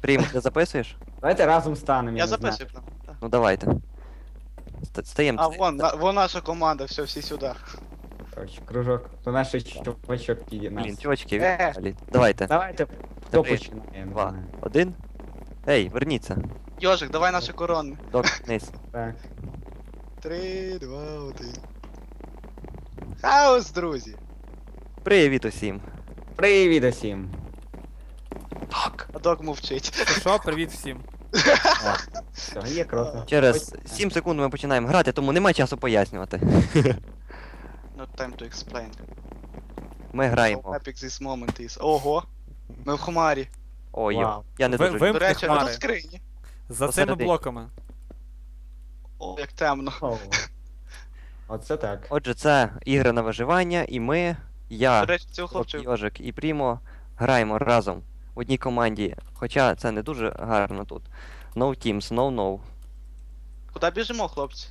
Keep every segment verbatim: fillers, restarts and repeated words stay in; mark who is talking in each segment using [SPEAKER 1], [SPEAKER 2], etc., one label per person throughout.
[SPEAKER 1] Прийм, ти записуєш?
[SPEAKER 2] Давайте разом станемо,
[SPEAKER 3] Я
[SPEAKER 2] не знаю.
[SPEAKER 3] записую прям. так.
[SPEAKER 1] Ну давайте. Ст- Стаємо.
[SPEAKER 3] А, вон, на- вон наша команда, все, всі сюди.
[SPEAKER 2] Короче, кружок. То наш чувачок піде нас.
[SPEAKER 1] Блін, чувачки,
[SPEAKER 3] Е.
[SPEAKER 1] відпали. Давайте.
[SPEAKER 2] Давайте, хто
[SPEAKER 1] Три,
[SPEAKER 2] починає? я не
[SPEAKER 1] Два.
[SPEAKER 2] знаю.
[SPEAKER 1] Один. Ей, верніться.
[SPEAKER 3] Йожик, давай наші корони.
[SPEAKER 1] Док, вниз.
[SPEAKER 2] Так.
[SPEAKER 3] Три, два, один. Хаос, друзі.
[SPEAKER 1] Привіт усім.
[SPEAKER 2] Привіт усім.
[SPEAKER 1] Так.
[SPEAKER 3] А док мовчить.
[SPEAKER 4] Ну що, привіт всім.
[SPEAKER 2] Все, є круто.
[SPEAKER 1] Через сім секунд ми починаємо грати, тому немає часу пояснювати.
[SPEAKER 3] Not time to explain.
[SPEAKER 1] Ми
[SPEAKER 3] How
[SPEAKER 1] граємо.
[SPEAKER 3] epic this moment is. Ого. Ми в хмарі.
[SPEAKER 1] Ой,
[SPEAKER 2] Вау.
[SPEAKER 1] я не
[SPEAKER 4] Ви-
[SPEAKER 1] дуже.
[SPEAKER 4] ви-
[SPEAKER 3] До
[SPEAKER 4] Вимкни
[SPEAKER 3] речі, а
[SPEAKER 4] хмари.
[SPEAKER 3] тут скрині.
[SPEAKER 4] За цими
[SPEAKER 1] Посередині.
[SPEAKER 4] блоками.
[SPEAKER 3] О, як темно.
[SPEAKER 2] Оу. Оце так.
[SPEAKER 1] Отже, це ігри на виживання, і ми,
[SPEAKER 3] До
[SPEAKER 1] я,
[SPEAKER 3] речі, цього хлопчика.
[SPEAKER 1] Йожик і Прімо граємо разом в одній команді. Хоча це не дуже гарно тут. No teams, no no.
[SPEAKER 3] Куди біжимо, хлопці?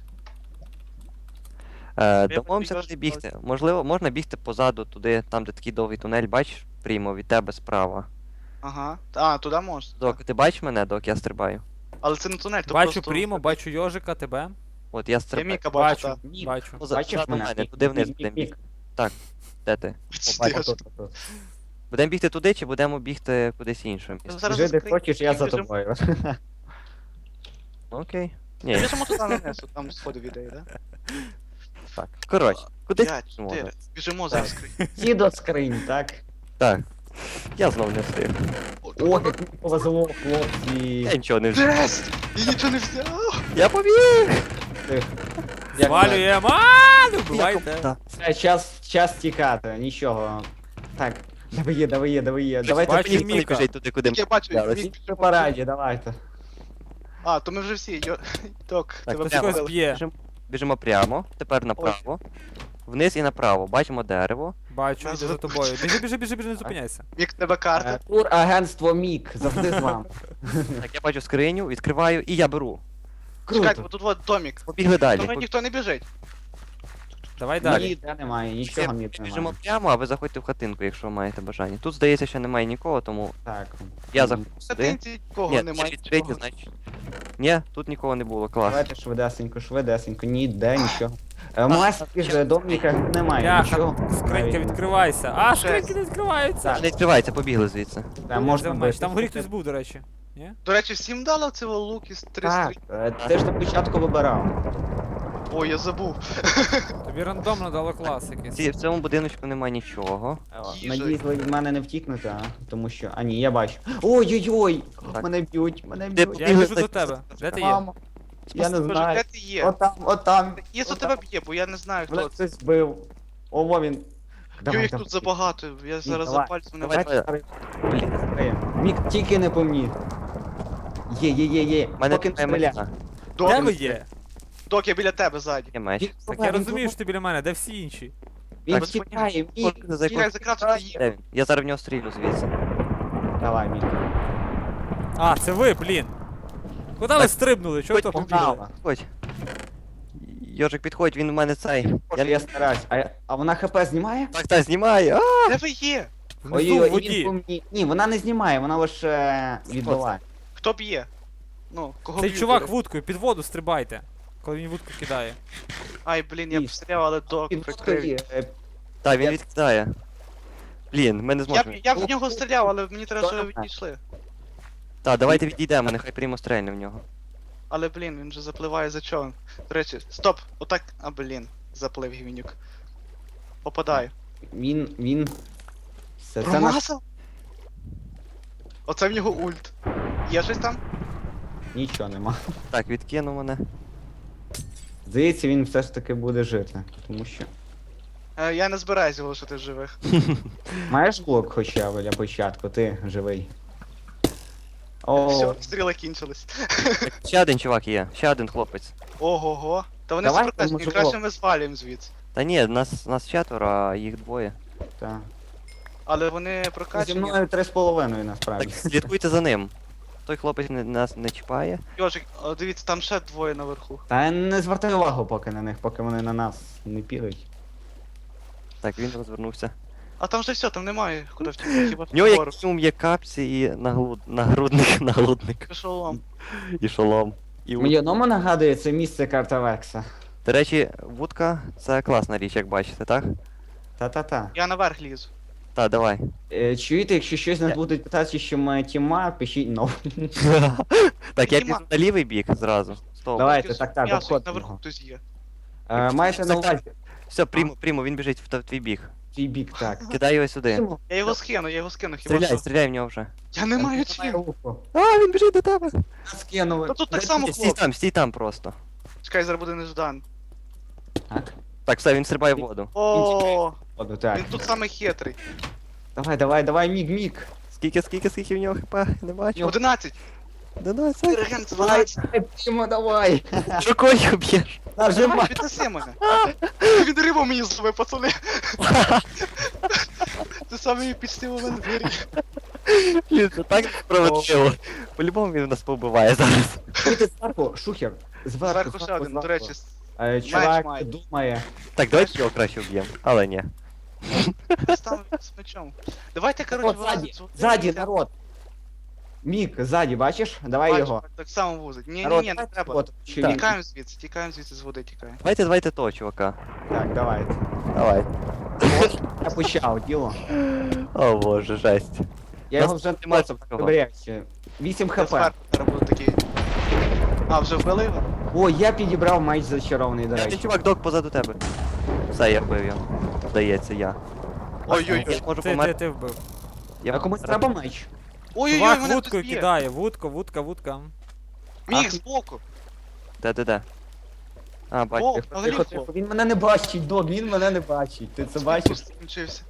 [SPEAKER 1] Е,
[SPEAKER 3] Я
[SPEAKER 1] домовимося
[SPEAKER 3] б
[SPEAKER 1] туди
[SPEAKER 3] не
[SPEAKER 1] бігти. Можливо, можна бігти позаду, туди, там, де такий довгий тунель, бачиш, Прімо, від тебе справа.
[SPEAKER 3] Ага. А, туди можна.
[SPEAKER 1] Док, ти бачиш мене, док, я стрибаю.
[SPEAKER 3] Але це не тунель, то
[SPEAKER 4] Бачу
[SPEAKER 3] просто...
[SPEAKER 4] Прімо, бачу Йожика, тебе.
[SPEAKER 1] От я
[SPEAKER 3] Я
[SPEAKER 1] стрибаю.
[SPEAKER 3] Міка бачу,
[SPEAKER 4] Бачу,
[SPEAKER 3] так.
[SPEAKER 2] Мік.
[SPEAKER 4] бачу.
[SPEAKER 1] Поза-
[SPEAKER 2] Бачиш
[SPEAKER 1] позаду
[SPEAKER 2] мене?
[SPEAKER 1] мене, туди вниз
[SPEAKER 2] Мік,
[SPEAKER 1] будемо
[SPEAKER 2] мік,
[SPEAKER 1] бігти. Де ти?
[SPEAKER 3] Пиздец.
[SPEAKER 2] Бачиш, тут, тут, тут.
[SPEAKER 1] Будемо бігти туди чи будемо бігти кудись інше місце?
[SPEAKER 3] Зараз
[SPEAKER 2] Біжи де
[SPEAKER 3] скрині,
[SPEAKER 2] хочеш, я за
[SPEAKER 3] біжимо.
[SPEAKER 2] тобою.
[SPEAKER 1] Окей. Ні,
[SPEAKER 3] Біжимо туди на несу, там сходи ідеї, да?
[SPEAKER 1] так. Коротше, кудись
[SPEAKER 3] П'ять,
[SPEAKER 1] біжимо.
[SPEAKER 3] чотири. Біжимо зараз скрині.
[SPEAKER 2] Всі до скринь, так?
[SPEAKER 1] Так. Я знов не встиг.
[SPEAKER 2] Ох, як мені повезло, хлопці.
[SPEAKER 1] Я нічого не встиг.
[SPEAKER 3] Жесть! Я нічого не взяв!
[SPEAKER 1] Я побіг!
[SPEAKER 2] Як
[SPEAKER 4] Звалюємо! Ааа, не вбивайте.
[SPEAKER 1] Так.
[SPEAKER 2] Все, час, час тікати, нічого. Так, давай є, давай є, давай є. Давайте
[SPEAKER 4] бачу,
[SPEAKER 1] Ніхто не
[SPEAKER 4] Міка.
[SPEAKER 1] біжить туди, куди ми.
[SPEAKER 3] Я бачу,
[SPEAKER 1] взяли.
[SPEAKER 3] Мік
[SPEAKER 2] всі
[SPEAKER 3] пішов.
[SPEAKER 2] по параді, давайте.
[SPEAKER 3] А, то ми вже всі, йо... Ток, тебе
[SPEAKER 1] то
[SPEAKER 4] Хтось когось
[SPEAKER 3] вбили.
[SPEAKER 4] б'є.
[SPEAKER 1] Біжимо, біжимо прямо, тепер направо. Вниз і направо. Бачимо дерево.
[SPEAKER 4] Бачу,
[SPEAKER 3] Нас
[SPEAKER 4] йду за
[SPEAKER 3] за-
[SPEAKER 4] тобою. Біжи, біжи, біжи, біжи, не зупиняйся.
[SPEAKER 3] Мік, тебе
[SPEAKER 2] Е,
[SPEAKER 3] карта.
[SPEAKER 2] Тур агентство Мік, завжди з вами.
[SPEAKER 1] Так, я бачу скриню, відкриваю і я беру.
[SPEAKER 3] Чекайте,
[SPEAKER 2] Круто.
[SPEAKER 3] бо тут от домік.
[SPEAKER 1] Побігли далі.
[SPEAKER 3] Тому ніхто не біжить.
[SPEAKER 4] Давай далі.
[SPEAKER 2] Ніде немає, нічого ніде
[SPEAKER 1] Біжимо
[SPEAKER 2] немає.
[SPEAKER 1] прямо, а ви заходьте в хатинку, якщо маєте бажання. Тут, здається, ще немає нікого, тому
[SPEAKER 2] Так.
[SPEAKER 1] я заходжу сюди.
[SPEAKER 3] Сатинці кого
[SPEAKER 1] Ні,
[SPEAKER 3] немає.
[SPEAKER 1] ще відкриті,
[SPEAKER 3] нічого.
[SPEAKER 1] значить. Ні, тут нікого не було, клас.
[SPEAKER 2] Давайте швидесенько, швидесенько, ніде нічого. Е, Маски ж доміка немає,
[SPEAKER 4] Бляха,
[SPEAKER 2] нічого.
[SPEAKER 4] скринька
[SPEAKER 2] Навіть.
[SPEAKER 4] відкривайся. А, скриньки не відкриваються.
[SPEAKER 1] Не відкривається, побігли звідси.
[SPEAKER 2] Та, можна
[SPEAKER 4] Можна
[SPEAKER 2] бити.
[SPEAKER 4] Там в горі хтось був, до речі. Ні?
[SPEAKER 3] До речі, всім дало цього лук із три
[SPEAKER 2] Так,
[SPEAKER 3] стрі.
[SPEAKER 2] е, ти ж на початку вибирав.
[SPEAKER 3] Ой, я забув.
[SPEAKER 4] Тобі рандомно дало клас якийсь.
[SPEAKER 1] Ці- В цьому будиночку немає нічого.
[SPEAKER 3] Їжа.
[SPEAKER 2] Надіюсь, ви від мене не втікнете, а? Тому що. А ні, я бачу. Ой-ой-ой!
[SPEAKER 1] Так.
[SPEAKER 2] Мене б'ють, мене
[SPEAKER 1] Де
[SPEAKER 2] б'ють.
[SPEAKER 4] Я
[SPEAKER 1] Бігли
[SPEAKER 4] біжу до
[SPEAKER 1] за-
[SPEAKER 4] тебе. Де ти є?
[SPEAKER 2] Мамо. Я не
[SPEAKER 3] Боже,
[SPEAKER 2] знаю.
[SPEAKER 3] де ти є?
[SPEAKER 2] Отам, отам.
[SPEAKER 3] Єсу
[SPEAKER 2] отам.
[SPEAKER 3] тебе б'є, бо я не знаю,
[SPEAKER 2] Мене
[SPEAKER 3] хто це.
[SPEAKER 2] хтось збив. Ого, він.
[SPEAKER 3] Йо, їх тут забагато, я зараз за
[SPEAKER 2] давай,
[SPEAKER 3] пальцем не
[SPEAKER 1] давай.
[SPEAKER 3] бачу.
[SPEAKER 2] Давай, старий. Блін, старий. Мік, тільки не по мені. Є, є, є, є.
[SPEAKER 1] У мене
[SPEAKER 2] Поки не
[SPEAKER 1] немає
[SPEAKER 2] стріляй.
[SPEAKER 1] меча.
[SPEAKER 3] Док,
[SPEAKER 4] Де ви є?
[SPEAKER 3] Док, я біля тебе ззаді.
[SPEAKER 1] Є меч.
[SPEAKER 2] Він
[SPEAKER 4] Так
[SPEAKER 2] сховай,
[SPEAKER 4] я
[SPEAKER 2] він
[SPEAKER 4] розумію, що
[SPEAKER 2] сховай.
[SPEAKER 4] ти біля мене, де всі інші?
[SPEAKER 2] Він
[SPEAKER 1] Так,
[SPEAKER 2] тікає, Мік.
[SPEAKER 1] За
[SPEAKER 3] Стріляй,
[SPEAKER 1] якою-
[SPEAKER 3] закратити їх.
[SPEAKER 1] Де він? Я зараз в нього стрілю звідси.
[SPEAKER 2] Давай, Мік.
[SPEAKER 4] А, це ви, блін. Куди ви
[SPEAKER 1] Так,
[SPEAKER 4] стрибнули? Чого ви то побігли?
[SPEAKER 2] Погнала.
[SPEAKER 1] Підходь. Йожик, підходь, він у мене цей.
[SPEAKER 2] Боже, я стараюсь. А, а вона хп знімає?
[SPEAKER 1] Так, так, знімає. А!
[SPEAKER 3] Де ви є?
[SPEAKER 4] Внизу
[SPEAKER 2] Ой-ой-ой,
[SPEAKER 4] в
[SPEAKER 2] і він по
[SPEAKER 4] воді.
[SPEAKER 2] мені. Ні, вона не знімає, вона лише е, відбиває.
[SPEAKER 3] Хто б'є? Ну, кого
[SPEAKER 4] Цей
[SPEAKER 3] б'ють,
[SPEAKER 4] чувак
[SPEAKER 3] до речі?
[SPEAKER 4] вудкою, під воду стрибайте. Коли він вудку кидає.
[SPEAKER 3] Ай, блін, я б
[SPEAKER 2] Ні.
[SPEAKER 3] стріляв, але док
[SPEAKER 2] Під
[SPEAKER 3] прикрив.
[SPEAKER 2] водою, е,
[SPEAKER 1] Так, він
[SPEAKER 2] Я-
[SPEAKER 1] відкидає. Блін, ми не
[SPEAKER 3] Я, б-
[SPEAKER 1] зможемо.
[SPEAKER 3] я в нього стріляв, але мені треба, щоб ви
[SPEAKER 2] Добре.
[SPEAKER 3] відійшли.
[SPEAKER 1] Так, давайте відійдемо, нехай прямо стрельне в нього.
[SPEAKER 3] Але, блін, він же запливає за човен. До речі, стоп! Отак. А, блін, заплив гівнюк. Попадаю.
[SPEAKER 2] Він, він. Все, це наш...
[SPEAKER 3] Промазав? Оце в нього ульт. Є щось там?
[SPEAKER 2] Нічого нема.
[SPEAKER 1] Так, відкинув мене.
[SPEAKER 2] Здається, він все ж таки буде жити. Тому що.
[SPEAKER 3] Е, я не збираюсь залишити живих.
[SPEAKER 2] Маєш блок хоча б для початку, ти живий. О,
[SPEAKER 3] Все, стріли кінчились.
[SPEAKER 1] Так, ще один чувак є, ще один хлопець.
[SPEAKER 3] Ого-го. Та вони
[SPEAKER 2] Давай,
[SPEAKER 3] супротивні,
[SPEAKER 2] може,
[SPEAKER 3] краще
[SPEAKER 2] блок.
[SPEAKER 3] ми звалюємо звідси.
[SPEAKER 1] Та ні, нас, нас четверо, а їх двоє.
[SPEAKER 2] так.
[SPEAKER 3] Але вони
[SPEAKER 2] Зі
[SPEAKER 3] прокачені.
[SPEAKER 2] мною три з половиною насправді.
[SPEAKER 1] Так, слідкуйте за ним. Той хлопець не, нас не чіпає.
[SPEAKER 3] Йожик, о, дивіться, там ще двоє наверху.
[SPEAKER 2] Та не звертай увагу поки на них, поки вони на нас не підуть.
[SPEAKER 1] Так, він розвернувся.
[SPEAKER 3] А там же все, там немає куди втікти, хіба
[SPEAKER 1] В нього
[SPEAKER 3] вгору.
[SPEAKER 1] як сум є капці і наглуд... нагрудник, нагрудник
[SPEAKER 3] Пішов.
[SPEAKER 1] і шолом. І
[SPEAKER 2] Мені
[SPEAKER 1] вуд...
[SPEAKER 2] одному нагадує це місце карта Векса.
[SPEAKER 1] До речі, вудка це класна річ, як бачите, так?
[SPEAKER 2] Та-та-та.
[SPEAKER 3] Я наверх лізу.
[SPEAKER 1] Так, давай.
[SPEAKER 2] Е, чуєте, якщо щось нас
[SPEAKER 1] Я-
[SPEAKER 2] будуть питати, що ми тіма, пишіть ну.
[SPEAKER 1] Так, я
[SPEAKER 3] Підійма.
[SPEAKER 1] піду на лівий бік зразу. Стоп.
[SPEAKER 2] Давайте,
[SPEAKER 3] Тільки
[SPEAKER 2] так, так,
[SPEAKER 3] м'ясо,
[SPEAKER 2] обходимо
[SPEAKER 3] наверху
[SPEAKER 2] його.
[SPEAKER 3] хтось є.
[SPEAKER 2] Е, маєте на увазі
[SPEAKER 1] Все, прийму, прийму, він біжить в т- в твій біг.
[SPEAKER 2] твій бік, так.
[SPEAKER 1] Кидай його сюди.
[SPEAKER 2] Тімо,
[SPEAKER 3] Я його скину, я його скину, хіба
[SPEAKER 1] Стріляй,
[SPEAKER 3] що.
[SPEAKER 1] стріляй в нього вже.
[SPEAKER 3] Я не маю
[SPEAKER 2] немає
[SPEAKER 3] чим.
[SPEAKER 2] руху.
[SPEAKER 1] А, він біжить до тебе.
[SPEAKER 2] Нас скинули.
[SPEAKER 3] Та тут так
[SPEAKER 2] Де
[SPEAKER 3] само
[SPEAKER 2] ти?
[SPEAKER 1] Стій там, стій там просто.
[SPEAKER 3] Чекай, зараз буде неждан.
[SPEAKER 2] Так,
[SPEAKER 1] Так, все, він стрибає в воду.
[SPEAKER 3] О,
[SPEAKER 2] воду, так.
[SPEAKER 3] він тут самий хитрий.
[SPEAKER 2] Давай, давай, давай, міг, міг.
[SPEAKER 1] Скільки, скільки, скільки в нього хп? Не бачу.
[SPEAKER 3] одинадцять.
[SPEAKER 1] дванадцять.
[SPEAKER 3] Реген, це
[SPEAKER 2] Давай,
[SPEAKER 3] дванадцять.
[SPEAKER 2] давай, Тімо, давай.
[SPEAKER 1] Рукою б'єш.
[SPEAKER 3] Давай,
[SPEAKER 2] Нажимай.
[SPEAKER 3] піднеси мене. Він рибу мені зловив, пацани. Це самий епічний момент в грі.
[SPEAKER 1] Блін, це так справедливо. По-любому він нас побиває зараз.
[SPEAKER 2] Чуєте зверху, шухер. Зверху,
[SPEAKER 3] Зверху ще один, до речі.
[SPEAKER 2] Е,
[SPEAKER 3] меч
[SPEAKER 2] Чувак
[SPEAKER 3] має.
[SPEAKER 2] думає.
[SPEAKER 1] Так, давайте його краще вб'ємо. Але ні.
[SPEAKER 3] Став з мечом. Давайте, коротше,
[SPEAKER 2] От, ззаді,
[SPEAKER 3] вилазити з води.
[SPEAKER 2] ззаді, народ. Мік, ззаді, бачиш? Давай
[SPEAKER 3] Бачу,
[SPEAKER 2] його.
[SPEAKER 3] так- Так само вузить. Ні, ні,
[SPEAKER 2] Народ,
[SPEAKER 3] ні, не треба.
[SPEAKER 2] от, чоловік.
[SPEAKER 3] Тікаємо звідси, тікаємо звідси з води, тікаємо.
[SPEAKER 1] Давайте, давайте того, чувака.
[SPEAKER 2] Так, давайте.
[SPEAKER 1] Давай.
[SPEAKER 2] Я почав діло.
[SPEAKER 1] О боже, жесть.
[SPEAKER 2] Я
[SPEAKER 1] Нас
[SPEAKER 2] його вже
[SPEAKER 1] немає
[SPEAKER 2] просто
[SPEAKER 1] такого.
[SPEAKER 2] добряче. вісім
[SPEAKER 3] Я
[SPEAKER 2] хп.
[SPEAKER 3] зверху зараз буду такий. А, вже вбили його?
[SPEAKER 2] О, я підібрав меч зачарований, до
[SPEAKER 1] Ти,
[SPEAKER 2] речі.
[SPEAKER 1] чувак, док позаду тебе. Все, я вбив його. Здається, я.
[SPEAKER 3] Ой-ой-ой.
[SPEAKER 1] Я можу
[SPEAKER 4] Ти, ти,
[SPEAKER 1] померти.
[SPEAKER 4] ти вбив.
[SPEAKER 1] Я
[SPEAKER 2] А комусь треба меч?
[SPEAKER 3] Ой-ой-ой,
[SPEAKER 4] Чувак
[SPEAKER 3] мене
[SPEAKER 4] вудкою
[SPEAKER 3] хтось б'є.
[SPEAKER 4] кидає, вудка, вудка, вудка.
[SPEAKER 3] Міг
[SPEAKER 2] А.
[SPEAKER 3] збоку.
[SPEAKER 1] Де, де, де? А,
[SPEAKER 3] О,
[SPEAKER 1] бачу.
[SPEAKER 2] Тихо,
[SPEAKER 3] взагалі
[SPEAKER 2] тихо,
[SPEAKER 3] хлоп.
[SPEAKER 2] тихо. Він мене не бачить, Дог, він мене не бачить. Ти це бачиш?
[SPEAKER 3] Скінчився.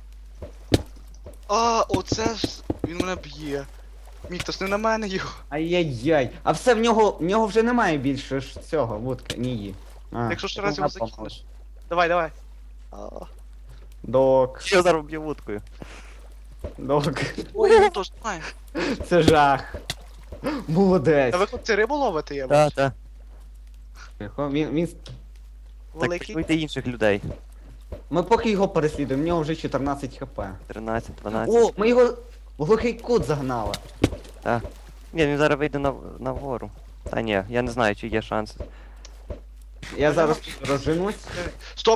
[SPEAKER 3] А, оце ж. Він мене б'є. Міг, то ж не на мене його.
[SPEAKER 2] Ай-яй-яй. А все, в нього, в нього вже немає більше ж цього, вудки, ні. А,
[SPEAKER 3] Якщо ще
[SPEAKER 2] ну,
[SPEAKER 3] раз його
[SPEAKER 2] напомниш.
[SPEAKER 3] закинеш. Давай, давай. А,
[SPEAKER 2] Док,
[SPEAKER 1] Що зараз б'ю вудкою?
[SPEAKER 2] док.
[SPEAKER 3] Ой, він теж немає.
[SPEAKER 2] Це жах. Молодець.
[SPEAKER 3] Та ви хлопці рибу ловите, я
[SPEAKER 1] Та,
[SPEAKER 3] бачу.
[SPEAKER 1] та.
[SPEAKER 2] Тихо, Він, він...
[SPEAKER 1] Так,
[SPEAKER 3] Великий.
[SPEAKER 1] пішлюйте інших людей.
[SPEAKER 2] Ми поки його переслідуємо, в нього вже чотирнадцять хп.
[SPEAKER 1] тринадцять, дванадцять.
[SPEAKER 2] О, ми його в глухий кут загнали.
[SPEAKER 1] Ні, він зараз вийде на, на вгору. Та ні, я не знаю, чи є шанс.
[SPEAKER 2] Я зараз розженусь.
[SPEAKER 3] Стоп!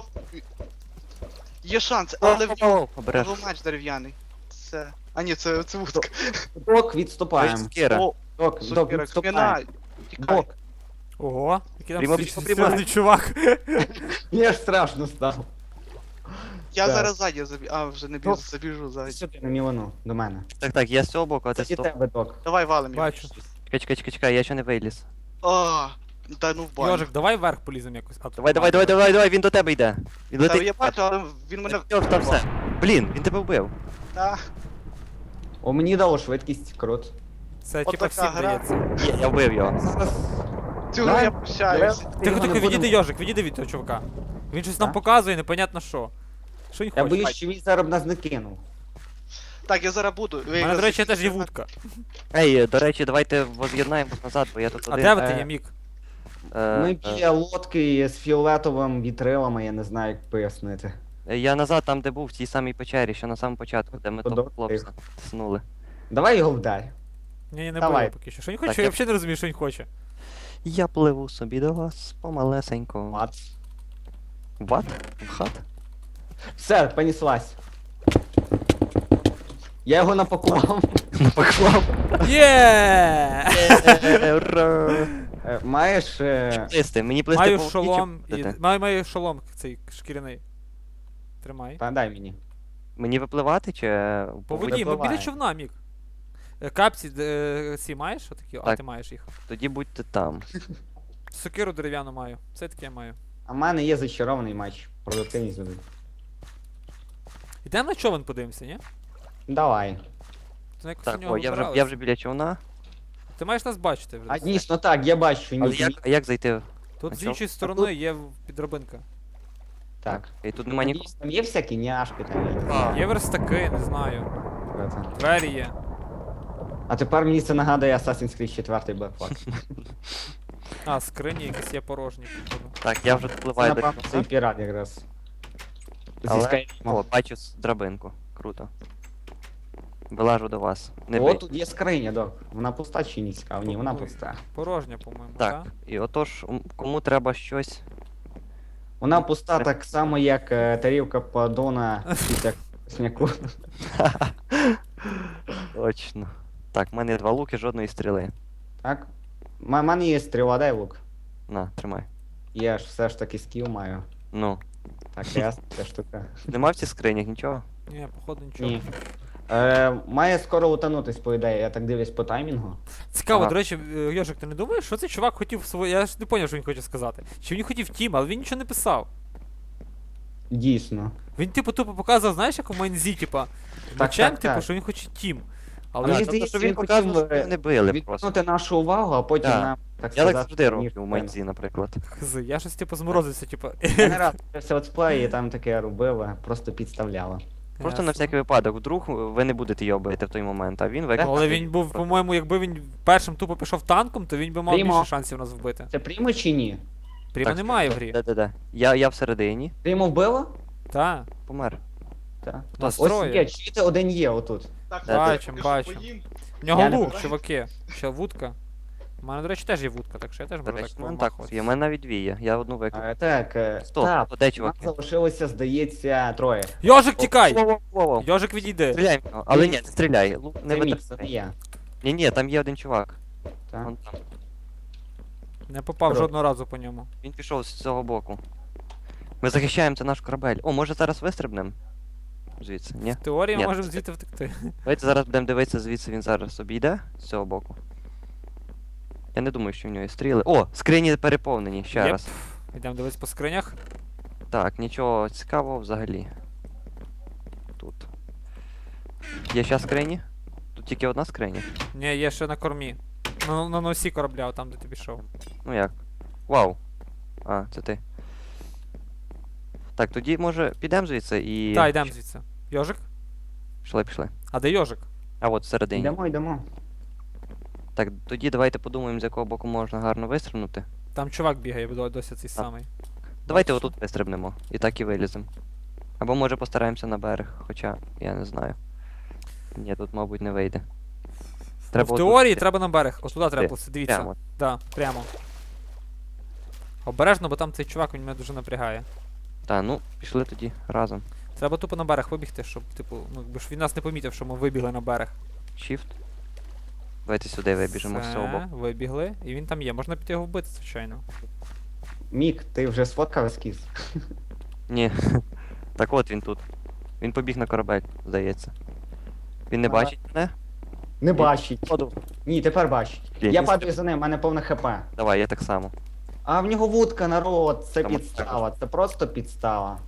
[SPEAKER 3] Є шанс, але в нього
[SPEAKER 1] О, обереш.
[SPEAKER 3] його меч дерев'яний. Це. А ні, це, це вудка.
[SPEAKER 2] Док, відступаємо.
[SPEAKER 1] Сокира.
[SPEAKER 3] О,
[SPEAKER 2] Док, док,
[SPEAKER 3] сокира,
[SPEAKER 2] відступаємо.
[SPEAKER 3] кміна. Тікай.
[SPEAKER 2] Док,
[SPEAKER 4] Ого, який там
[SPEAKER 1] Прямо
[SPEAKER 4] стрі-
[SPEAKER 1] пішов, прямо.
[SPEAKER 4] серйозний чувак.
[SPEAKER 2] мені аж страшно стало.
[SPEAKER 3] Я
[SPEAKER 2] Так.
[SPEAKER 3] зараз ззаді забіжу. А, вже не біжу,
[SPEAKER 2] Док.
[SPEAKER 3] забіжу ззаді.
[SPEAKER 2] Сюди, на Мілану, до мене.
[SPEAKER 1] Так, так, я з цього боку, а ти
[SPEAKER 2] Це
[SPEAKER 1] з
[SPEAKER 2] і
[SPEAKER 1] того.
[SPEAKER 2] тебе, Док.
[SPEAKER 3] Давай валим його.
[SPEAKER 4] Бачу.
[SPEAKER 1] Чекай, чекай, чекай, чекай, я ще не виліз.
[SPEAKER 3] А, та ну в баню.
[SPEAKER 4] Йожик, давай вверх поліземо якось. А тут
[SPEAKER 1] Давай, давай, давай, давай, давай, він до тебе йде. Він
[SPEAKER 3] Та
[SPEAKER 1] летить.
[SPEAKER 3] я бачу, але він мене.
[SPEAKER 1] Йох, там все. Блін, він тебе вбив.
[SPEAKER 3] Та.
[SPEAKER 2] О, мені дало швидкість, крут.
[SPEAKER 4] Це
[SPEAKER 3] От
[SPEAKER 4] типа
[SPEAKER 3] така
[SPEAKER 4] всім
[SPEAKER 3] гра.
[SPEAKER 4] дається.
[SPEAKER 1] Є, я вбив його.
[SPEAKER 2] Зараз...
[SPEAKER 3] Цю гру я прощаюсь.
[SPEAKER 4] Тихо, тихо, відійди, Йожик, відійди від того чувака. Він щось нам
[SPEAKER 2] А?
[SPEAKER 4] показує, непонятно що. Що він
[SPEAKER 2] Я
[SPEAKER 4] хоче?
[SPEAKER 2] боюсь, що він зараз б нас не кинув.
[SPEAKER 3] Так, я зараз буду.
[SPEAKER 4] У мене, до речі, теж є вудка.
[SPEAKER 1] Ей, до речі, давайте воз'єднаємось назад, бо я тут
[SPEAKER 4] А
[SPEAKER 1] один.
[SPEAKER 4] де ви ти
[SPEAKER 2] е,
[SPEAKER 4] є, Мік?
[SPEAKER 1] Е,
[SPEAKER 2] Ми
[SPEAKER 1] е,
[SPEAKER 2] біля лодки з фіолетовим вітрилами, я не знаю, як пояснити.
[SPEAKER 1] е, Я назад там, де був, в тій самій печері, що на самому початку, де ми того
[SPEAKER 2] Подок,
[SPEAKER 1] хлопця
[SPEAKER 2] тихо.
[SPEAKER 1] снули.
[SPEAKER 2] Давай його вдарь.
[SPEAKER 4] Ні, ні, не
[SPEAKER 2] Давай.
[SPEAKER 4] було поки що. Що він
[SPEAKER 1] Так,
[SPEAKER 4] хоче? Я
[SPEAKER 1] я-
[SPEAKER 4] взагалі не розумію, що він хоче.
[SPEAKER 1] Я пливу собі до вас помалесенько.
[SPEAKER 2] Мац.
[SPEAKER 1] Ват? В хат?
[SPEAKER 2] Все, понеслась. Я його напакував.
[SPEAKER 1] Напаклав.
[SPEAKER 4] Є!
[SPEAKER 1] Ура!
[SPEAKER 2] Е, Маєш. е,
[SPEAKER 1] Плисти, мені плисти
[SPEAKER 4] Маю
[SPEAKER 1] по воді чи
[SPEAKER 4] шолом. і-
[SPEAKER 1] плисти?
[SPEAKER 4] Маю, маю шолом цей шкіряний. Тримай.
[SPEAKER 2] Та дай мені.
[SPEAKER 1] Мені випливати чи е,
[SPEAKER 4] По воді, ми біля
[SPEAKER 2] випливає.
[SPEAKER 4] човна, Мік. Е, Капці е, ці маєш отакі? А
[SPEAKER 1] Так.
[SPEAKER 4] ти маєш їх.
[SPEAKER 1] Тоді будьте там.
[SPEAKER 4] Сокиру дерев'яну маю. Це таке маю.
[SPEAKER 2] А в мене є зачарований матч. Продуктивність буде.
[SPEAKER 4] Ідемо на човен подивимося, ні?
[SPEAKER 2] Давай.
[SPEAKER 4] Ти якось
[SPEAKER 1] Так,
[SPEAKER 4] у нього
[SPEAKER 1] о, я вже,
[SPEAKER 4] вибиралися.
[SPEAKER 1] я вже біля човна.
[SPEAKER 4] Ти маєш нас бачити вже.
[SPEAKER 2] А дійсно так, я бачу,
[SPEAKER 1] Але
[SPEAKER 2] ні.
[SPEAKER 1] як, а як зайти?
[SPEAKER 4] Тут
[SPEAKER 1] а
[SPEAKER 4] з
[SPEAKER 1] чо?
[SPEAKER 4] іншої сторони є в- підробинка.
[SPEAKER 2] Так.
[SPEAKER 1] І тут нема нікого.
[SPEAKER 2] Там є всякі няшки там. я не
[SPEAKER 1] А.
[SPEAKER 2] знаю,
[SPEAKER 4] Є верстаки, не знаю.
[SPEAKER 2] що це.
[SPEAKER 4] Двері є.
[SPEAKER 2] А тепер мені це нагадує Assassin's Creed четвертий Black Flag.
[SPEAKER 4] А, скрині якісь є порожні, походу.
[SPEAKER 1] Так, я вже
[SPEAKER 2] Це,
[SPEAKER 1] впливаю до
[SPEAKER 2] напевно, цей
[SPEAKER 1] човна.
[SPEAKER 2] пірат якраз. Зі
[SPEAKER 1] Але,
[SPEAKER 2] Skyrim.
[SPEAKER 1] о, бачу с- драбинку. Круто. Вилажу до вас. Не
[SPEAKER 2] О,
[SPEAKER 1] бий.
[SPEAKER 2] тут є скриня, док. Вона пуста чи ні цікаво? Ні, вона
[SPEAKER 4] Ой.
[SPEAKER 2] пуста.
[SPEAKER 4] Порожня, по-моєму,
[SPEAKER 1] Так, і отож, м, кому треба щось.
[SPEAKER 2] Вона пуста так само, як е, тарілка подона після сняку.
[SPEAKER 1] Точно. Так, в мене є два луки, жодної стріли.
[SPEAKER 2] Так? У мене є стріла, дай лук.
[SPEAKER 1] На, тримай.
[SPEAKER 2] Я ж все ж таки скіл маю.
[SPEAKER 1] Ну.
[SPEAKER 2] Так, ясно, ця штука.
[SPEAKER 1] Нема в цих скринях нічого?
[SPEAKER 4] Ні, походу нічого.
[SPEAKER 2] Ні. Е, має скоро утонутись, по ідеї, я так дивлюсь по таймінгу.
[SPEAKER 4] Цікаво,
[SPEAKER 1] Ага.
[SPEAKER 4] до речі, е, Йожик, ти не думаєш, що цей чувак хотів своє. Я ж не зрозумів, що він хоче сказати. Чи він хотів тім, але він нічого не писав.
[SPEAKER 2] Дійсно.
[SPEAKER 4] Він, типу, тупо показував, знаєш, як у Майнзі, типа, мечем,
[SPEAKER 2] так,
[SPEAKER 4] типу,
[SPEAKER 2] так.
[SPEAKER 4] що він хоче тім.
[SPEAKER 2] А
[SPEAKER 4] Але
[SPEAKER 2] мені
[SPEAKER 1] тобто,
[SPEAKER 2] здається,
[SPEAKER 1] що він
[SPEAKER 2] він
[SPEAKER 1] показував,
[SPEAKER 2] хотів,
[SPEAKER 1] що
[SPEAKER 2] е,
[SPEAKER 1] його не били просто.
[SPEAKER 2] Відвернути нашу увагу, а потім
[SPEAKER 1] Так.
[SPEAKER 2] нам, так
[SPEAKER 1] Я
[SPEAKER 2] сказати,
[SPEAKER 1] так завжди роблю
[SPEAKER 2] ніж
[SPEAKER 1] в Майнзі, наприклад.
[SPEAKER 4] хз, я щось типу зморозився, типу.
[SPEAKER 2] Я не раз дивився летсплеї і там таке робили, просто підставляли.
[SPEAKER 1] Просто на
[SPEAKER 4] Ясно.
[SPEAKER 1] всякий випадок, вдруг ви не будете його бити в той момент, а він викликав.
[SPEAKER 4] Але він був, по-моєму, якби він першим тупо пішов танком, то він би мав
[SPEAKER 2] Прямо.
[SPEAKER 4] більше шансів нас вбити.
[SPEAKER 2] Це прімо чи ні?
[SPEAKER 4] Прямо
[SPEAKER 1] Так,
[SPEAKER 4] немає в грі.
[SPEAKER 1] Да-да-да. Я, я всередині,
[SPEAKER 2] Прімо вбило?
[SPEAKER 1] помер.
[SPEAKER 2] Так.
[SPEAKER 1] Хто?
[SPEAKER 2] Ось
[SPEAKER 4] Настроє.
[SPEAKER 2] є, чуєте, один є отут.
[SPEAKER 3] Так,
[SPEAKER 1] Да,
[SPEAKER 4] Бачим,
[SPEAKER 3] я що,
[SPEAKER 4] бачим.
[SPEAKER 3] поїм?
[SPEAKER 4] В нього
[SPEAKER 2] Я не
[SPEAKER 4] лук,
[SPEAKER 3] бачу.
[SPEAKER 4] чуваки. Ще вудка. У мене, до речі, теж є вудка, так що я теж
[SPEAKER 1] До
[SPEAKER 4] можу
[SPEAKER 1] речі,
[SPEAKER 4] так
[SPEAKER 1] ну так,
[SPEAKER 4] помахувати.
[SPEAKER 1] є, у мене навіть дві є, я одну викликав.
[SPEAKER 2] А, так, е,
[SPEAKER 1] Стоп,
[SPEAKER 2] так,
[SPEAKER 1] то де
[SPEAKER 2] нас
[SPEAKER 1] чуваки?
[SPEAKER 2] залишилося, здається, троє.
[SPEAKER 4] Йожик, тікай!
[SPEAKER 1] Воу-воу-воу.
[SPEAKER 4] Йожик, відійди.
[SPEAKER 1] Стріляй в нього, але ні, не стріляй. Лук не
[SPEAKER 2] Це мій, це не
[SPEAKER 1] витрачай.
[SPEAKER 2] я.
[SPEAKER 1] Ні, ні, там є один чувак.
[SPEAKER 2] Так.
[SPEAKER 1] Вон там.
[SPEAKER 4] Не попав
[SPEAKER 2] Здорово.
[SPEAKER 4] жодного разу по ньому.
[SPEAKER 1] Він пішов з цього боку. Ми захищаємо це наш корабель. О, може зараз вистрибнемо? Звідси, ні?
[SPEAKER 4] В теорії
[SPEAKER 1] Ні,
[SPEAKER 4] можемо
[SPEAKER 1] це-
[SPEAKER 4] звідти втекти.
[SPEAKER 1] Давайте зараз будемо дивитися, звідси він зараз обійде з цього боку. Я не думаю, що в нього є стріли. О, скрині переповнені, ще
[SPEAKER 4] Єп.
[SPEAKER 1] раз.
[SPEAKER 4] Йдемо дивитися по скринях.
[SPEAKER 1] Так, нічого цікавого взагалі. Тут. Є ще скрині? Тут тільки одна скриня.
[SPEAKER 4] Ні, є ще на кормі. На, на носі корабля, там де ти пішов.
[SPEAKER 1] Ну як? Вау. А, це ти. Так, тоді може підемо звідси і.
[SPEAKER 4] Так, йдемо звідси. Йожик?
[SPEAKER 1] Пішли, пішли.
[SPEAKER 4] А де Йожик?
[SPEAKER 1] А от всередині.
[SPEAKER 2] Йдемо, йдемо.
[SPEAKER 1] Так, тоді давайте подумаємо, з якого боку можна гарно вистрибнути.
[SPEAKER 4] Там чувак бігає, до- досі цей самий.
[SPEAKER 1] Давайте
[SPEAKER 4] Бачиш?
[SPEAKER 1] отут вистрибнемо. І так і виліземо. Або може постараємося на берег, хоча я не знаю. Ні, тут, мабуть, не вийде.
[SPEAKER 4] Ну, в
[SPEAKER 1] отут
[SPEAKER 4] теорії
[SPEAKER 1] йти.
[SPEAKER 4] треба на берег. Ось туди треба
[SPEAKER 1] Де?
[SPEAKER 4] плисти, дивіться.
[SPEAKER 1] Прямо.
[SPEAKER 4] Да, прямо. Обережно, бо там цей чувак він мене дуже напрягає.
[SPEAKER 1] Та, ну, пішли тоді разом.
[SPEAKER 4] Треба тупо на берег вибігти, щоб, типу, ну, якби ж він нас не помітив, що ми вибігли на берег.
[SPEAKER 1] Shift. Давайте сюди вибіжемо з цього
[SPEAKER 4] Все,
[SPEAKER 1] боку.
[SPEAKER 4] вибігли, і він там є. Можна піти його вбити, звичайно.
[SPEAKER 2] Мік, ти вже сфоткав ескіз?
[SPEAKER 1] Ні. Так от він тут. Він побіг на корабель, здається. Він не
[SPEAKER 2] А.
[SPEAKER 1] бачить мене?
[SPEAKER 2] Не бачить.
[SPEAKER 1] Ходу.
[SPEAKER 2] Ні, тепер бачить.
[SPEAKER 1] Блін,
[SPEAKER 2] Я
[SPEAKER 1] він
[SPEAKER 2] падаю за ним, в мене повне хп.
[SPEAKER 1] Давай, я так само.
[SPEAKER 2] А в нього вудка, народ, це
[SPEAKER 1] Там от
[SPEAKER 2] підстава, це просто підстава.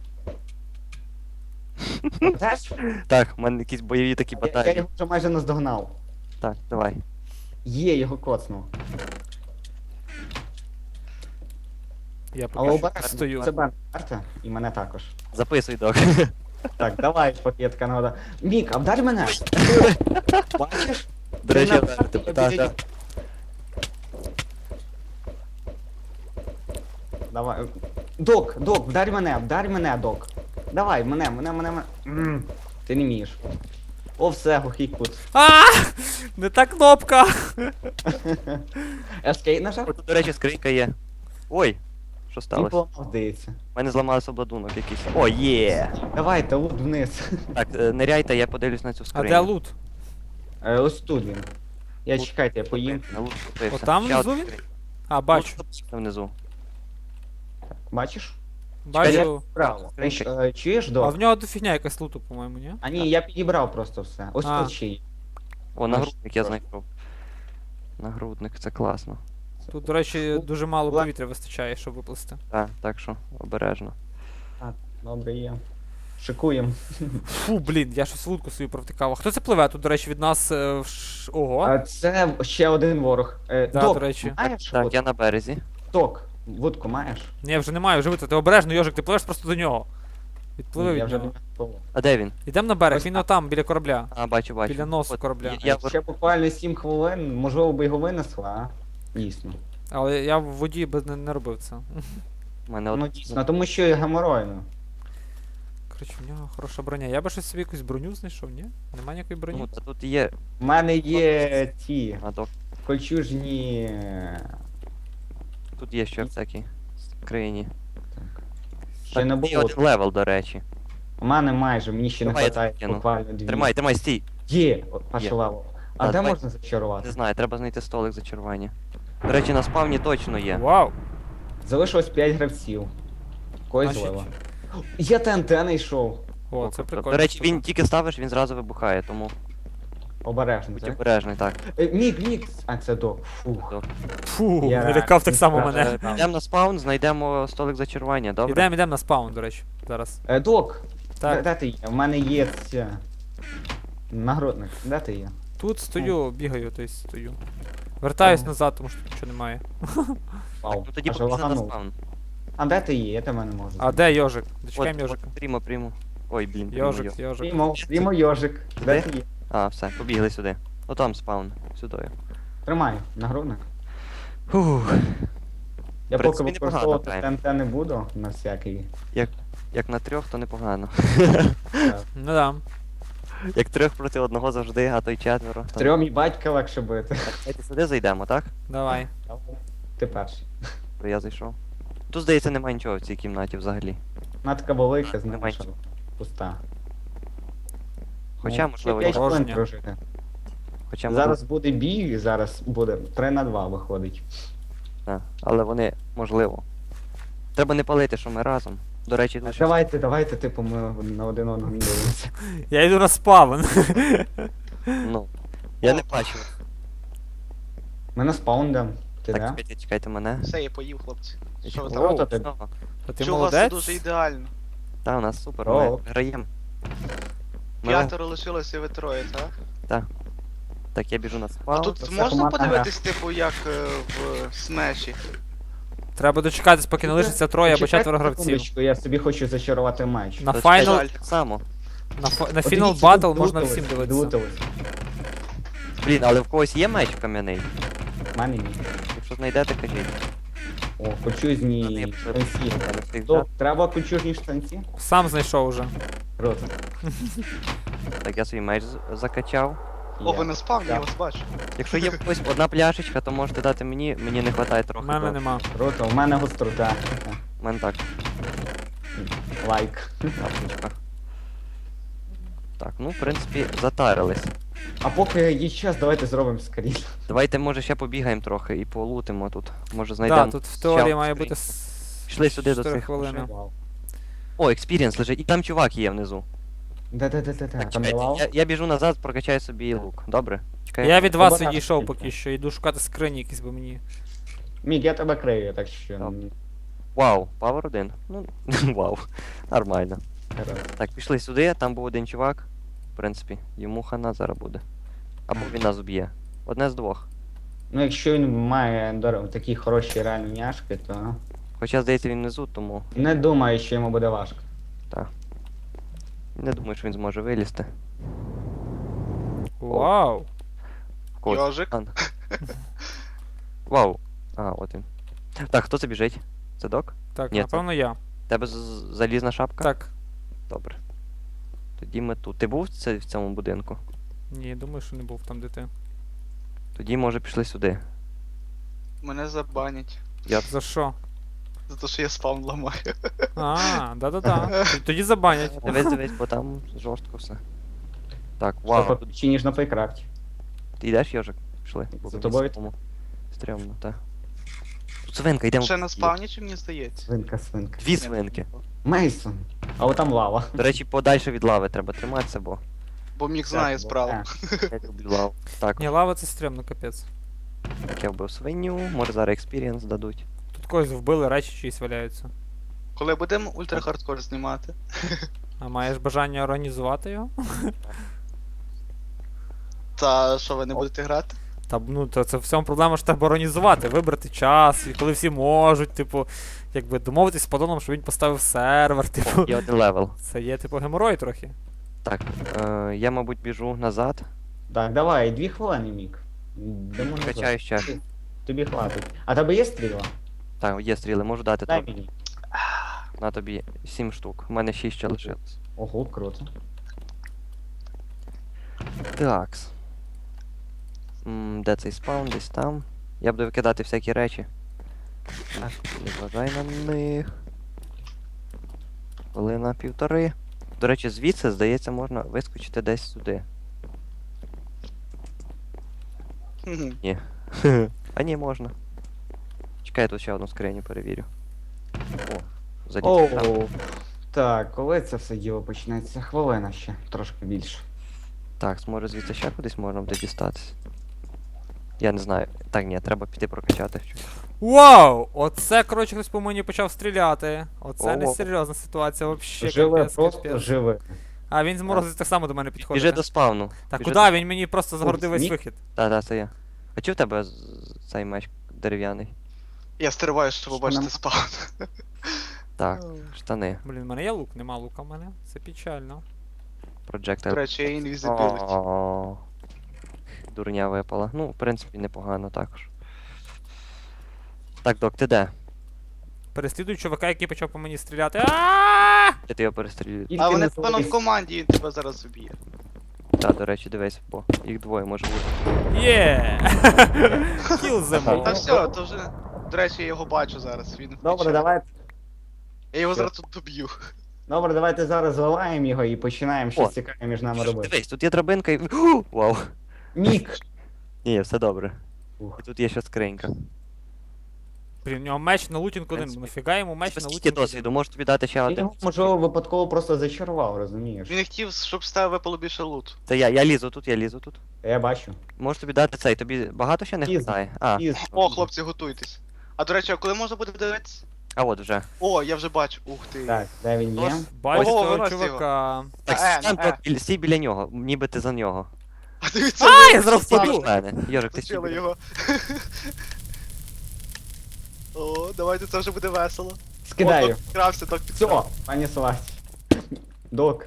[SPEAKER 2] Теж?
[SPEAKER 1] Так, в мене якісь бойові такі
[SPEAKER 2] Я, я
[SPEAKER 1] баталії.
[SPEAKER 2] його вже майже наздогнав.
[SPEAKER 1] Так, давай.
[SPEAKER 2] Є, його коцнув.
[SPEAKER 4] Я
[SPEAKER 2] Але
[SPEAKER 4] поки що
[SPEAKER 2] обережно,
[SPEAKER 4] стою.
[SPEAKER 2] це Бен карта, і мене також.
[SPEAKER 1] Записуй, док.
[SPEAKER 2] Так, давай, пакетка нагода. Мік, обдарь мене! Бачиш?
[SPEAKER 1] До речі,
[SPEAKER 2] Ти
[SPEAKER 1] я
[SPEAKER 2] на
[SPEAKER 1] вдарю
[SPEAKER 2] карті,
[SPEAKER 1] тебе.
[SPEAKER 2] я
[SPEAKER 1] Так,
[SPEAKER 2] біля-
[SPEAKER 1] так.
[SPEAKER 2] Давай. Док, док, вдарь мене, вдарь мене, док. Давай, мене, мене, мене, мене. М, Ти не вмієш. О, все, глухий кут.
[SPEAKER 4] А! Не та кнопка!
[SPEAKER 2] Ескейт нажав?
[SPEAKER 1] О, тут, до речі, скринька є. Ой, що
[SPEAKER 2] Він
[SPEAKER 1] сталося?
[SPEAKER 2] поламав, здається.
[SPEAKER 1] У мене зламався обладунок якийсь. О, є!
[SPEAKER 2] Давайте, лут вниз.
[SPEAKER 1] Так, е, ниряйте, я подивлюсь на цю
[SPEAKER 4] А
[SPEAKER 1] скриню.
[SPEAKER 4] де лут?
[SPEAKER 2] Е, Ось тут він. Я
[SPEAKER 1] Лут.
[SPEAKER 2] чекайте, я поїм.
[SPEAKER 1] На лут купився.
[SPEAKER 4] Отам
[SPEAKER 1] Ще
[SPEAKER 4] внизу
[SPEAKER 1] одна
[SPEAKER 4] він?
[SPEAKER 1] скриня.
[SPEAKER 4] А, бачу.
[SPEAKER 1] Лут внизу.
[SPEAKER 2] Бачиш?
[SPEAKER 4] Бачу.
[SPEAKER 2] Браво. Ти ж, е, чуєш,
[SPEAKER 4] А
[SPEAKER 2] док?
[SPEAKER 4] в нього дофігня якась луту, по-моєму, ні?
[SPEAKER 2] А ні, я підібрав просто все. Ось
[SPEAKER 4] А.
[SPEAKER 2] тут ще є.
[SPEAKER 1] О,
[SPEAKER 2] Наш
[SPEAKER 1] нагрудник я
[SPEAKER 2] просто.
[SPEAKER 1] знайшов. Нагрудник, це класно.
[SPEAKER 4] Тут, до речі,
[SPEAKER 2] Лут.
[SPEAKER 4] дуже мало
[SPEAKER 2] Ла-
[SPEAKER 4] повітря вистачає, щоб виплисти.
[SPEAKER 1] Так, так що обережно.
[SPEAKER 2] Добре є. Шикуємо.
[SPEAKER 4] Фу, блін, я щось лутку свою провтикав. А хто це пливе тут, до речі, від нас. е, в ш- Ого.
[SPEAKER 2] А це ще один ворог. Е,
[SPEAKER 4] Да,
[SPEAKER 2] док,
[SPEAKER 4] до речі.
[SPEAKER 2] маєш?
[SPEAKER 1] Так,
[SPEAKER 2] От,
[SPEAKER 1] я на березі.
[SPEAKER 2] Док, вудку маєш?
[SPEAKER 4] Ні, вже немає, вже витратив. Обережно, Йожик, ти пливеш просто до нього. Відпливи
[SPEAKER 2] Ні, я
[SPEAKER 4] від
[SPEAKER 2] вже
[SPEAKER 4] нього.
[SPEAKER 2] не пливу.
[SPEAKER 1] А де він?
[SPEAKER 4] Ідемо на берег,
[SPEAKER 2] Ось
[SPEAKER 4] він
[SPEAKER 2] так.
[SPEAKER 4] отам, біля корабля.
[SPEAKER 1] А, бачу, бачу.
[SPEAKER 4] Біля носу
[SPEAKER 1] От,
[SPEAKER 4] корабля.
[SPEAKER 1] Я, я,
[SPEAKER 2] Ще буквально сім хвилин, можливо, би його винесла, а? Дійсно.
[SPEAKER 4] Але я в воді би не, не робив це.
[SPEAKER 1] в мене от...
[SPEAKER 2] Ну дійсно, тому що і геморойно.
[SPEAKER 4] Коротше, в нього хороша броня. Я би щось собі якусь броню знайшов, ні? Нема ніякої броні?
[SPEAKER 1] Ну, та тут є.
[SPEAKER 2] У мене є ті
[SPEAKER 1] А, док.
[SPEAKER 2] кольчужні.
[SPEAKER 1] Тут є ще всякі скрині.
[SPEAKER 2] Ще не
[SPEAKER 1] Так, і
[SPEAKER 2] було.
[SPEAKER 1] один левел, до речі.
[SPEAKER 2] У мене майже, мені ще не
[SPEAKER 1] Давай, я
[SPEAKER 2] вистачає
[SPEAKER 1] тобі кину.
[SPEAKER 2] буквально дві.
[SPEAKER 1] Тримай, тримай, стій.
[SPEAKER 2] Є, перший
[SPEAKER 1] Є.
[SPEAKER 2] левел. А
[SPEAKER 1] Да,
[SPEAKER 2] де
[SPEAKER 1] давай.
[SPEAKER 2] можна зачарувати?
[SPEAKER 1] Не знаю, треба знайти столик зачарування. До речі, на спавні точно є.
[SPEAKER 4] Вау!
[SPEAKER 2] Залишилось п'ять гравців. Когось
[SPEAKER 4] Значить,
[SPEAKER 2] злива. Я ТНТ знайшов.
[SPEAKER 4] О, це
[SPEAKER 1] Тобто,
[SPEAKER 4] прикольно.
[SPEAKER 1] До речі, він тільки ставиш, він зразу вибухає, тому
[SPEAKER 2] Обережно,
[SPEAKER 1] будь
[SPEAKER 2] так?
[SPEAKER 1] обережний, так.
[SPEAKER 2] Е, Мік, мік. А, це док. Фух.
[SPEAKER 4] Фу,
[SPEAKER 2] Я
[SPEAKER 4] налякав так само
[SPEAKER 2] реально
[SPEAKER 4] мене.
[SPEAKER 2] зрадав.
[SPEAKER 1] Йдемо на спаун, знайдемо столик зачарування, добре?
[SPEAKER 4] Ідемо, ідемо на спаун, до речі, зараз.
[SPEAKER 2] Е, Док, де,
[SPEAKER 4] Так,
[SPEAKER 2] де ти є? У мене є ця... Нагрудник. Де ти є?
[SPEAKER 4] тут стою, бігаю, тобто стою. Вертаюсь
[SPEAKER 2] Ага.
[SPEAKER 4] назад, тому що тут нічого немає.
[SPEAKER 2] Вау.
[SPEAKER 1] Ну тоді
[SPEAKER 2] аж
[SPEAKER 1] побігли на
[SPEAKER 2] лаганув.
[SPEAKER 1] спаун.
[SPEAKER 2] А де ти є? Я тебе не можу.
[SPEAKER 4] А де йожик?
[SPEAKER 1] От,
[SPEAKER 4] Дочекаємо
[SPEAKER 1] от,
[SPEAKER 4] йожика.
[SPEAKER 1] прямо, прямо. Ой, блін, прямо йо.
[SPEAKER 4] Йожик, йожик.
[SPEAKER 2] Прімо, прімо йожик. Де
[SPEAKER 1] Де?
[SPEAKER 2] ти є?
[SPEAKER 1] А, все, побігли сюди. Отам спаун, сюди.
[SPEAKER 2] Тримай, нагрудник.
[SPEAKER 1] Фух,
[SPEAKER 2] Я
[SPEAKER 1] В
[SPEAKER 2] поки
[SPEAKER 1] принципі, непогано
[SPEAKER 2] використовувати
[SPEAKER 1] граємо.
[SPEAKER 2] ТНТ не буду на всякий.
[SPEAKER 1] як на трьох, то непогано.
[SPEAKER 4] Ну да.
[SPEAKER 1] Як трьох проти одного завжди, а то й четверо. то-
[SPEAKER 2] Трьом і батька легше бити.
[SPEAKER 1] Так, давайте сюди зайдемо, так?
[SPEAKER 4] Давай.
[SPEAKER 2] Ти перший.
[SPEAKER 1] То я зайшов. Тут, здається, немає нічого в цій кімнаті взагалі.
[SPEAKER 2] Вона така велика,
[SPEAKER 1] Немає
[SPEAKER 2] знаєш,
[SPEAKER 1] нічого.
[SPEAKER 2] пуста.
[SPEAKER 1] Хоча,
[SPEAKER 2] Ну,
[SPEAKER 1] можливо,
[SPEAKER 2] ще п'ять
[SPEAKER 1] є.
[SPEAKER 4] порожня.
[SPEAKER 2] хвилин прожити.
[SPEAKER 1] Хоча,
[SPEAKER 2] Зараз буде бій, зараз буде три на два виходить.
[SPEAKER 1] Так, але вони, можливо. Треба не палити, що ми разом. До речі, тут щось-
[SPEAKER 2] Давайте, давайте, типу, ми на один одного не дивимося.
[SPEAKER 4] Я йду на спавн.
[SPEAKER 1] Ну. Я не бачу.
[SPEAKER 2] Ми на спаун йдем. Ти
[SPEAKER 1] Так,
[SPEAKER 2] де?
[SPEAKER 1] чекайте, чекайте мене.
[SPEAKER 3] Все, я поїв, хлопці. Що ви
[SPEAKER 2] О,
[SPEAKER 3] там?
[SPEAKER 2] то ти-
[SPEAKER 1] Знову.
[SPEAKER 4] А ти
[SPEAKER 3] Що у вас це
[SPEAKER 4] молодець?
[SPEAKER 3] дуже ідеально.
[SPEAKER 1] Та, у нас супер,
[SPEAKER 2] О.
[SPEAKER 1] ми граємо. Ми-
[SPEAKER 3] П'ятеро лишилося, ви троє, так?
[SPEAKER 1] Так, я біжу на
[SPEAKER 3] А
[SPEAKER 1] спал.
[SPEAKER 3] тут
[SPEAKER 2] це
[SPEAKER 3] можна
[SPEAKER 2] командна
[SPEAKER 3] подивитись, типу, як е, в смеші?
[SPEAKER 4] Треба дочекатись, поки не лишиться троє або
[SPEAKER 2] Почекайте
[SPEAKER 4] четверо гравців.
[SPEAKER 2] секундочку, я собі хочу зачарувати меч.
[SPEAKER 4] На
[SPEAKER 1] То
[SPEAKER 4] файнал,
[SPEAKER 1] чекай, так само.
[SPEAKER 4] на, фа- на
[SPEAKER 2] От
[SPEAKER 4] фінал
[SPEAKER 2] дивіться,
[SPEAKER 4] батл
[SPEAKER 2] тут
[SPEAKER 4] можна
[SPEAKER 2] долутались,
[SPEAKER 4] всім дивитися.
[SPEAKER 2] долутались.
[SPEAKER 1] Блін, але в когось є меч кам'яний.
[SPEAKER 2] В мене ні.
[SPEAKER 1] Якщо знайдете, кажіть.
[SPEAKER 2] О,
[SPEAKER 1] Та не,
[SPEAKER 2] кучузні
[SPEAKER 1] я пішов.
[SPEAKER 2] штанці.
[SPEAKER 1] Я не встиг
[SPEAKER 2] Док,
[SPEAKER 1] взяти.
[SPEAKER 2] треба кучужні штанці?
[SPEAKER 4] Сам знайшов уже.
[SPEAKER 2] Круто.
[SPEAKER 1] Так, я свій меч з- закачав.
[SPEAKER 3] О,
[SPEAKER 2] Є.
[SPEAKER 3] ви на спавні, я
[SPEAKER 2] Так.
[SPEAKER 3] вас бачу.
[SPEAKER 1] Якщо є в когось одна пляшечка, то можете дати мені, мені не вистачає
[SPEAKER 4] У
[SPEAKER 1] трохи.
[SPEAKER 4] мене
[SPEAKER 1] до-
[SPEAKER 4] нема.
[SPEAKER 2] Круто, у мене гострота.
[SPEAKER 1] У мене так,
[SPEAKER 2] Лайк.
[SPEAKER 1] тапочка. Так, ну, в принципі, затарились.
[SPEAKER 2] А поки є час, давайте зробимо скрін.
[SPEAKER 1] Давайте, може, ще побігаємо трохи і полутимо тут. Може
[SPEAKER 4] Так,
[SPEAKER 1] знайдемо.
[SPEAKER 4] да, тут в теорії
[SPEAKER 1] ще
[SPEAKER 4] має
[SPEAKER 1] скриньку.
[SPEAKER 4] бути с-
[SPEAKER 1] Пішли сюди до
[SPEAKER 4] чотири
[SPEAKER 1] цих
[SPEAKER 4] хвилини.
[SPEAKER 2] Вау.
[SPEAKER 1] О, експірієнс лежить. І там чувак є внизу.
[SPEAKER 2] Де-де-де-де,
[SPEAKER 1] Так,
[SPEAKER 2] там
[SPEAKER 1] чекайте,
[SPEAKER 2] давав?
[SPEAKER 1] я, я біжу назад, прокачаю собі лук. Добре? Чекай.
[SPEAKER 4] Я від вас
[SPEAKER 2] Обережно
[SPEAKER 4] відійшов
[SPEAKER 2] тільки.
[SPEAKER 4] поки що, йду шукати скрині якісь, бо мені.
[SPEAKER 2] Мік, я тебе крию, так що...
[SPEAKER 1] Добре.
[SPEAKER 2] м,
[SPEAKER 1] Вау, павер один. Ну, вау. Нормально.
[SPEAKER 2] гаразд.
[SPEAKER 1] Так, пішли сюди, там був один чувак. В принципі, йому хана зараз буде. Або він нас уб'є. Одне з двох.
[SPEAKER 2] Ну, якщо він має дор- такі хороші реальні няшки, то
[SPEAKER 1] Хоча, здається, він внизу, тому
[SPEAKER 2] не думаю, що йому буде важко.
[SPEAKER 1] не думаю, що він зможе вилізти.
[SPEAKER 4] Вау!
[SPEAKER 1] В когось.
[SPEAKER 3] Йожик.
[SPEAKER 1] А, Вау. А, от він. Так, хто це біжить? Це док?
[SPEAKER 4] Так,
[SPEAKER 1] Ні, це-
[SPEAKER 4] напевно я.
[SPEAKER 1] Тебе з- з- залізна шапка?
[SPEAKER 4] Так.
[SPEAKER 1] Добре. Тоді ми тут. Ти був в це- в цьому будинку?
[SPEAKER 4] Ні, думаю, що не був там, де ти.
[SPEAKER 1] Тоді, може, пішли сюди.
[SPEAKER 3] Мене забанять.
[SPEAKER 1] Я
[SPEAKER 4] За що?
[SPEAKER 3] За те, що я спавн ламаю.
[SPEAKER 4] А, да-да-да. Т- Тоді забанять.
[SPEAKER 1] Дивись, дивись, бо там жорстко все. Так,
[SPEAKER 2] Вау.
[SPEAKER 1] вау. Тут...
[SPEAKER 2] Чи ніж на Плейкрафті.
[SPEAKER 1] Ти йдеш, Йожик? Пішли. бо
[SPEAKER 2] За
[SPEAKER 1] мені
[SPEAKER 2] тобою?
[SPEAKER 1] самому Стрьомно, так. Тут свинка, йдемо.
[SPEAKER 3] Ще на спавні, чи мені здається?
[SPEAKER 2] Свинка, свинка.
[SPEAKER 1] Дві свинки.
[SPEAKER 2] Мейсон. А от там лава.
[SPEAKER 1] До речі, подальше від лави треба триматися, бо
[SPEAKER 3] Бо міг знає
[SPEAKER 2] Так,
[SPEAKER 3] справу.
[SPEAKER 2] е.
[SPEAKER 1] я люблю лаву. Так,
[SPEAKER 4] Ні, лава це стрімно, капець.
[SPEAKER 1] так я вбив свиню, може зараз експірієнс дадуть.
[SPEAKER 4] Тут когось вбили, речі чиїсь валяються.
[SPEAKER 3] Коли будемо ультрахардкор знімати?
[SPEAKER 4] А маєш бажання організувати його?
[SPEAKER 3] Та що ви не будете грати?
[SPEAKER 4] Та ну то це в цьому проблема, що треба організувати, вибрати час, і коли всі можуть, типу, якби домовитись з падоном, щоб він поставив сервер, типу.
[SPEAKER 1] Є один левел.
[SPEAKER 4] Це є типу геморой трохи.
[SPEAKER 1] Так, е, я, мабуть, біжу назад.
[SPEAKER 2] Так, давай, дві хвилини, Мік. Йдемо назад.
[SPEAKER 1] Качаю ще.
[SPEAKER 2] Тобі хватить. А тебе є стріла?
[SPEAKER 1] Так, є стріли, можу дати
[SPEAKER 2] Дай
[SPEAKER 1] тобі.
[SPEAKER 2] мені.
[SPEAKER 1] На тобі сім штук. У мене шість ще лишилось.
[SPEAKER 2] Ого, круто.
[SPEAKER 1] Такс. М, Де цей спаун? Десь там. Я буду викидати всякі речі. Так, не зважай на них. Хвилина півтори. До речі, звідси, здається, можна вискочити десь сюди.
[SPEAKER 3] Хм.
[SPEAKER 1] Ні. А ні, можна. Чекай, я тут ще одну скриню перевірю. О, заліз. там.
[SPEAKER 2] Оу. Так, коли це все діло почнеться? Хвилина ще, трошки більше.
[SPEAKER 1] Так, може звідси ще кудись можна буде дістатись. Я не знаю. Так, ні, треба піти прокачати щось.
[SPEAKER 4] Вау! Оце, коротше, хтось по мені почав стріляти. Оце
[SPEAKER 1] О.
[SPEAKER 4] несерйозна ситуація вообще.
[SPEAKER 2] Живе,
[SPEAKER 4] капець,
[SPEAKER 2] просто
[SPEAKER 4] капець.
[SPEAKER 2] живе.
[SPEAKER 4] А він з морозу так само до мене підходить.
[SPEAKER 1] Біжи до спавну.
[SPEAKER 4] Так,
[SPEAKER 1] біжи
[SPEAKER 4] куди?
[SPEAKER 1] до-
[SPEAKER 4] Він мені просто загородив весь
[SPEAKER 2] Ні.
[SPEAKER 4] вихід.
[SPEAKER 1] Та, та, це я. А чи в тебе з- з- цей меч дерев'яний?
[SPEAKER 3] Я стриваю, щоб побачити
[SPEAKER 2] Нам-
[SPEAKER 3] спаун.
[SPEAKER 1] Так, штани.
[SPEAKER 4] Блін, в мене є лук, нема лука в мене. Це печально.
[SPEAKER 1] Projectile.
[SPEAKER 3] До речі, є інвізибіліті.
[SPEAKER 1] О, дурня випала. Ну, в принципі, непогано також. Так, док, ти де?
[SPEAKER 4] Переслідую чувака, який почав по мені стріляти. А!
[SPEAKER 1] Я ти його перестрілюю.
[SPEAKER 2] Тільки
[SPEAKER 3] А вони
[SPEAKER 2] не
[SPEAKER 3] певно в
[SPEAKER 2] завались.
[SPEAKER 3] команді, він тебе зараз уб'є.
[SPEAKER 1] Так, до речі, дивись, бо їх двоє може бути.
[SPEAKER 4] Є! Кіл
[SPEAKER 3] Та
[SPEAKER 4] them.
[SPEAKER 3] все, то вже. До речі, я його бачу зараз. Він
[SPEAKER 2] Добре,
[SPEAKER 3] включає.
[SPEAKER 2] давай.
[SPEAKER 3] Я його зараз тут доб'ю.
[SPEAKER 2] Добре, давайте зараз зливаємо його і починаємо щось
[SPEAKER 1] О,
[SPEAKER 2] цікаве між нами
[SPEAKER 1] Що ж,
[SPEAKER 2] робити.
[SPEAKER 1] Дивись, тут є драбинка і. Ху! Вау!
[SPEAKER 2] Мік!
[SPEAKER 1] Ні, все добре.
[SPEAKER 2] Ух.
[SPEAKER 1] І тут є ще скринька.
[SPEAKER 4] Блін, у нього меч на лутінг один.
[SPEAKER 1] принципі.
[SPEAKER 4] Нафіга йому меч
[SPEAKER 1] Тебе
[SPEAKER 4] на
[SPEAKER 1] скільки
[SPEAKER 4] лутінг
[SPEAKER 1] досвіду? Можу тобі дати ще
[SPEAKER 2] Він
[SPEAKER 1] один.
[SPEAKER 2] його, можливо, випадково просто зачарував, розумієш?
[SPEAKER 3] Він не хотів, щоб з тебе випало більше лут.
[SPEAKER 1] Це я, я лізу тут, я лізу тут.
[SPEAKER 2] Я бачу.
[SPEAKER 1] Можу тобі дати цей, тобі багато ще не
[SPEAKER 2] Пізно.
[SPEAKER 1] хватає? А,
[SPEAKER 2] Із.
[SPEAKER 3] О, хлопці, готуйтесь. А до речі, а коли можна буде дивитися?
[SPEAKER 1] а от вже.
[SPEAKER 3] О, я вже бачу. Ух ти.
[SPEAKER 2] Так, де він є?
[SPEAKER 1] Тож,
[SPEAKER 4] Бачу
[SPEAKER 3] Ого,
[SPEAKER 4] цього
[SPEAKER 3] винось його.
[SPEAKER 4] чувака.
[SPEAKER 1] Так,
[SPEAKER 3] Е,
[SPEAKER 1] стань,
[SPEAKER 3] е.
[SPEAKER 1] док, біля- стій біля нього, ніби ти за нього.
[SPEAKER 3] А дивіться,
[SPEAKER 4] А,
[SPEAKER 3] ви
[SPEAKER 4] я зараз
[SPEAKER 1] Стій
[SPEAKER 4] впаду.
[SPEAKER 1] біля мене. Йожик, ти стій
[SPEAKER 3] зустріли
[SPEAKER 1] біля.
[SPEAKER 3] його. О, давайте це вже буде весело.
[SPEAKER 2] Скидаю.
[SPEAKER 3] О, док підкрався, док
[SPEAKER 2] Все,
[SPEAKER 3] підкрався.
[SPEAKER 2] пані Сласі. Док,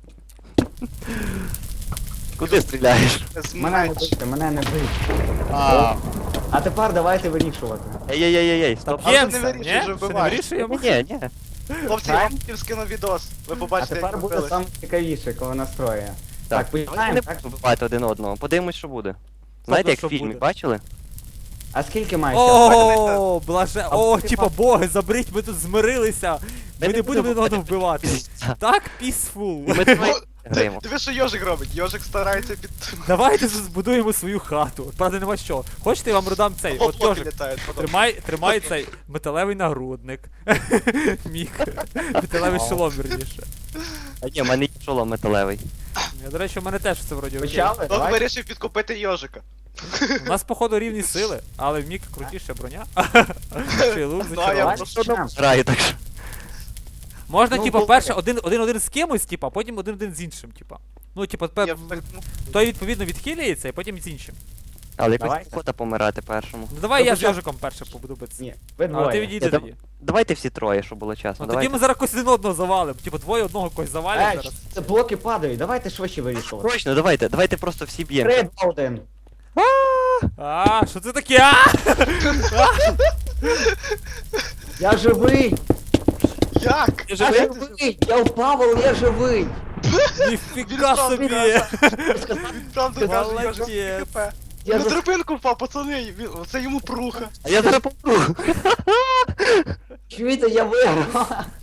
[SPEAKER 1] Куди стріляєш?
[SPEAKER 3] З
[SPEAKER 2] мене не
[SPEAKER 3] меч.
[SPEAKER 2] бийте, мене не бийте.
[SPEAKER 1] А.
[SPEAKER 2] А тепер давайте вирішувати.
[SPEAKER 1] Ей-ей-ей-ей, стоп.
[SPEAKER 3] А вже не
[SPEAKER 4] Б'ємося,
[SPEAKER 3] вирішуй,
[SPEAKER 4] ні?
[SPEAKER 3] вже
[SPEAKER 4] Ще не
[SPEAKER 3] вбиваєш.
[SPEAKER 4] вирішуємо?
[SPEAKER 1] Ні, ні.
[SPEAKER 3] Хлопці, я вам хотів скину відос. Ви
[SPEAKER 2] А
[SPEAKER 3] побачите,
[SPEAKER 2] тепер
[SPEAKER 3] як
[SPEAKER 2] буде
[SPEAKER 3] робили.
[SPEAKER 2] саме цікавіше, коли настроє. Так,
[SPEAKER 1] Давайте
[SPEAKER 2] починаємо,
[SPEAKER 1] не
[SPEAKER 2] так?
[SPEAKER 1] будемо вбивати один одного. Подивимось, що буде. Знаєте, як
[SPEAKER 4] що
[SPEAKER 1] в фільмі,
[SPEAKER 4] буде?
[SPEAKER 1] бачили?
[SPEAKER 2] А скільки має часу?
[SPEAKER 4] О, блаже. О, типа боги, заберіть, ми тут змирилися. Ми не будемо один одного вбивати. Так, peaceful.
[SPEAKER 1] Ми троє граємо.
[SPEAKER 3] Диви, що Йожик робить. Йожик старається під...
[SPEAKER 4] Давайте збудуємо свою хату. От, правда, нема що. Хочете, я вам родам цей. От
[SPEAKER 3] Хлопці
[SPEAKER 4] Йожик,
[SPEAKER 3] літають. потім.
[SPEAKER 4] тримай, тримай цей металевий нагрудник. Мік. Металевий шолом, верніше.
[SPEAKER 1] А ні, в мене є шолом металевий.
[SPEAKER 4] Я, до речі, у мене теж все вроді окей.
[SPEAKER 2] Почали?
[SPEAKER 3] Док
[SPEAKER 2] Давай.
[SPEAKER 3] вирішив підкупити Йожика.
[SPEAKER 4] У нас, походу, рівні сили, але в Мік крутіша броня. Ще й лук
[SPEAKER 3] Ну, а я
[SPEAKER 4] зачарований.
[SPEAKER 3] просто-
[SPEAKER 2] Починаємо.
[SPEAKER 1] Граю так що.
[SPEAKER 4] Можна,
[SPEAKER 2] Ну,
[SPEAKER 4] типа,
[SPEAKER 2] добре.
[SPEAKER 4] перше один- один-один з кимось, типа, а потім один-один з іншим, типа. Ну, типа, пе-
[SPEAKER 3] Я так, ну,
[SPEAKER 4] той відповідно відхилюється, і потім з іншим.
[SPEAKER 1] Але якось
[SPEAKER 2] Давайте.
[SPEAKER 1] охота помирати першому.
[SPEAKER 4] Ну давай я з
[SPEAKER 2] Добре.
[SPEAKER 4] Йожиком перше побуду битися.
[SPEAKER 2] Ні, ви
[SPEAKER 4] Але ти
[SPEAKER 2] двоє.
[SPEAKER 4] відійди
[SPEAKER 1] Я дам-
[SPEAKER 4] тоді.
[SPEAKER 1] Давайте всі троє, щоб було чесно.
[SPEAKER 4] Ну тоді
[SPEAKER 1] Давайте.
[SPEAKER 4] ми зараз когось один одного завалимо. Типа двоє одного когось завалять
[SPEAKER 2] Ей,
[SPEAKER 4] зараз.
[SPEAKER 2] це блоки падають, давайте швидше вирішувати.
[SPEAKER 1] Точно, давайте, давайте просто всі б'ємо.
[SPEAKER 2] Три, два, один.
[SPEAKER 4] А, що це таке? А!
[SPEAKER 2] Я живий!
[SPEAKER 3] Як?
[SPEAKER 1] Ти
[SPEAKER 2] Я
[SPEAKER 1] живий?
[SPEAKER 2] живий! Я впав, але я живий!
[SPEAKER 4] Ніфіга
[SPEAKER 3] Він
[SPEAKER 4] собі!
[SPEAKER 3] Правда каже, Йожик
[SPEAKER 4] Молодець.
[SPEAKER 3] ХП.
[SPEAKER 2] Я
[SPEAKER 3] На
[SPEAKER 2] за...
[SPEAKER 3] драбинку впав, пацани, він- це йому пруха.
[SPEAKER 1] А я зараз помру.
[SPEAKER 2] Чуєте, я виграв!